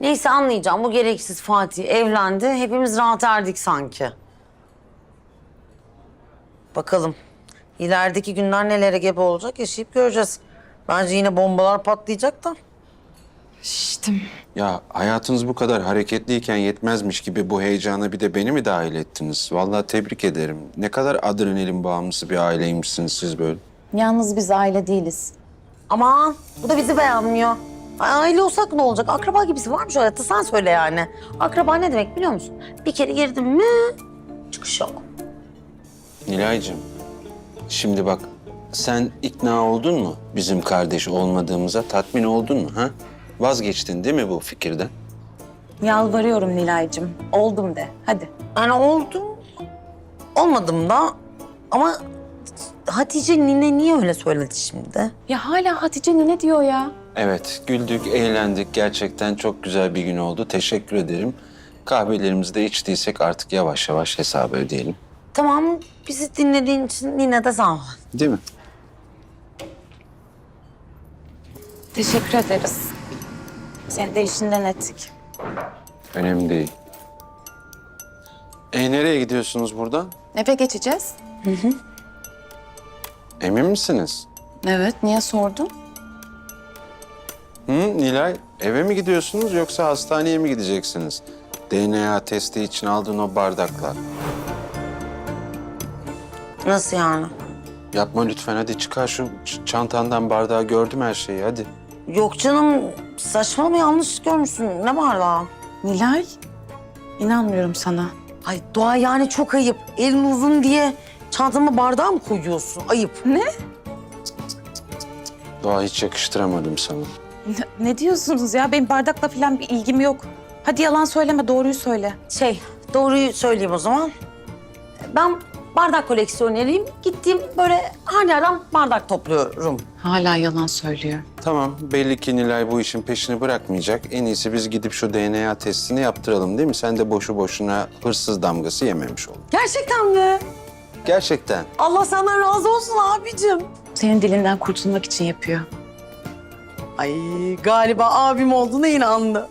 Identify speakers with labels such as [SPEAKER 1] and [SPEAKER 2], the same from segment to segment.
[SPEAKER 1] Neyse anlayacağım. Bu gereksiz Fatih evlendi. Hepimiz rahat erdik sanki. Bakalım. İlerideki günler nelere gebe olacak yaşayıp göreceğiz. Bence yine bombalar patlayacak da.
[SPEAKER 2] Şiştim.
[SPEAKER 3] Ya hayatınız bu kadar hareketliyken yetmezmiş gibi bu heyecana bir de beni mi dahil ettiniz? Vallahi tebrik ederim. Ne kadar adrenalin bağımlısı bir aileymişsiniz siz böyle.
[SPEAKER 2] Yalnız biz aile değiliz.
[SPEAKER 1] Aman bu da bizi beğenmiyor. Aile olsak ne olacak? Akraba gibisi var mı şu hayatta? Sen söyle yani. Akraba ne demek biliyor musun? Bir kere girdin mi çıkış yok.
[SPEAKER 3] Nilay'cığım, şimdi bak sen ikna oldun mu bizim kardeş olmadığımıza? Tatmin oldun mu ha? Vazgeçtin değil mi bu fikirden?
[SPEAKER 2] Yalvarıyorum Nilay'cığım. Oldum de. Hadi.
[SPEAKER 1] Yani oldum. Olmadım da ama Hatice nine niye öyle söyledi şimdi?
[SPEAKER 2] Ya hala Hatice nene diyor ya.
[SPEAKER 3] Evet, güldük, eğlendik. Gerçekten çok güzel bir gün oldu. Teşekkür ederim. Kahvelerimizi de içtiysek artık yavaş yavaş hesabı ödeyelim.
[SPEAKER 1] Tamam bizi dinlediğin için yine de sağ ol.
[SPEAKER 3] Değil mi?
[SPEAKER 2] Teşekkür ederiz. Seni de işinden ettik.
[SPEAKER 3] Önemli değil. Nereye gidiyorsunuz buradan?
[SPEAKER 2] Eve geçeceğiz.
[SPEAKER 3] Emin misiniz?
[SPEAKER 2] Evet. Niye sordun?
[SPEAKER 3] Nilay, eve mi gidiyorsunuz yoksa hastaneye mi gideceksiniz? DNA testi için aldığın o bardaklar.
[SPEAKER 1] Nasıl yani?
[SPEAKER 3] Yapma lütfen, hadi çıkar şu çantandan bardağı, gördüm her şeyi, hadi.
[SPEAKER 1] Yok canım saçma mı yanlış görmüşsün. Ne var daha?
[SPEAKER 2] Nilay. İnanmıyorum sana.
[SPEAKER 1] Ay Doğa yani çok ayıp. Elin uzun diye çantama bardağı mı koyuyorsun? Ayıp.
[SPEAKER 2] Ne?
[SPEAKER 3] Doğa, hiç yakıştıramadım sana.
[SPEAKER 2] Ne diyorsunuz ya? Benim bardakla falan bir ilgim yok. Hadi yalan söyleme, doğruyu söyle.
[SPEAKER 1] Doğruyu söyleyeyim o zaman. Ben bardak koleksiyoneriyim. Gittiğim böyle her yerden bardak topluyorum.
[SPEAKER 2] Hala yalan söylüyor.
[SPEAKER 3] Tamam, belli ki Nilay bu işin peşini bırakmayacak. En iyisi biz gidip şu DNA testini yaptıralım değil mi? Sen de boşu boşuna hırsız damgası yememiş ol.
[SPEAKER 1] Gerçekten mi?
[SPEAKER 3] Gerçekten.
[SPEAKER 1] Allah senden razı olsun abicim.
[SPEAKER 2] Senin dilinden kurtulmak için yapıyor.
[SPEAKER 1] Ay galiba abim olduğuna inandı.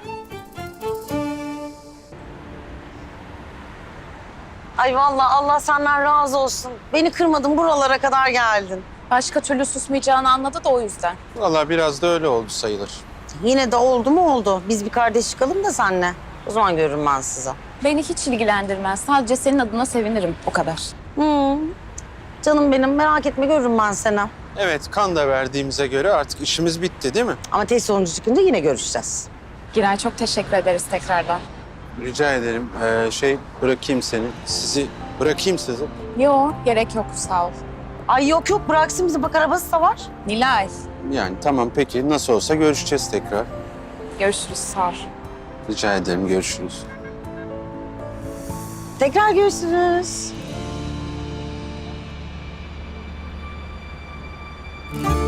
[SPEAKER 1] Ay vallahi Allah senden razı olsun. Beni kırmadın, buralara kadar geldin.
[SPEAKER 2] Başka türlü susmayacağını anladı da o yüzden.
[SPEAKER 3] Vallahi biraz da öyle oldu sayılır.
[SPEAKER 1] Yine de oldu mu oldu. Biz bir kardeş çıkalım da seninle. O zaman görürüm ben size.
[SPEAKER 2] Beni hiç ilgilendirmez. Sadece senin adına sevinirim. O kadar.
[SPEAKER 1] Canım benim merak etme görürüm ben seni.
[SPEAKER 3] Evet, kan da verdiğimize göre artık işimiz bitti değil mi?
[SPEAKER 1] Ama test sonucu çıkınca yine görüşeceğiz.
[SPEAKER 2] Giray, çok teşekkür ederiz tekrardan.
[SPEAKER 3] Rica ederim. Bırakayım seni. Sizi bırakayım sizi.
[SPEAKER 2] Yo, gerek yok. Sağ ol.
[SPEAKER 1] Ay yok yok bıraksın bizi bak arabası da var.
[SPEAKER 2] Nilay.
[SPEAKER 3] Yani tamam, peki. Nasıl olsa görüşeceğiz tekrar.
[SPEAKER 2] Görüşürüz. Sağ ol.
[SPEAKER 3] Rica ederim, görüşürüz.
[SPEAKER 1] Tekrar görüşürüz.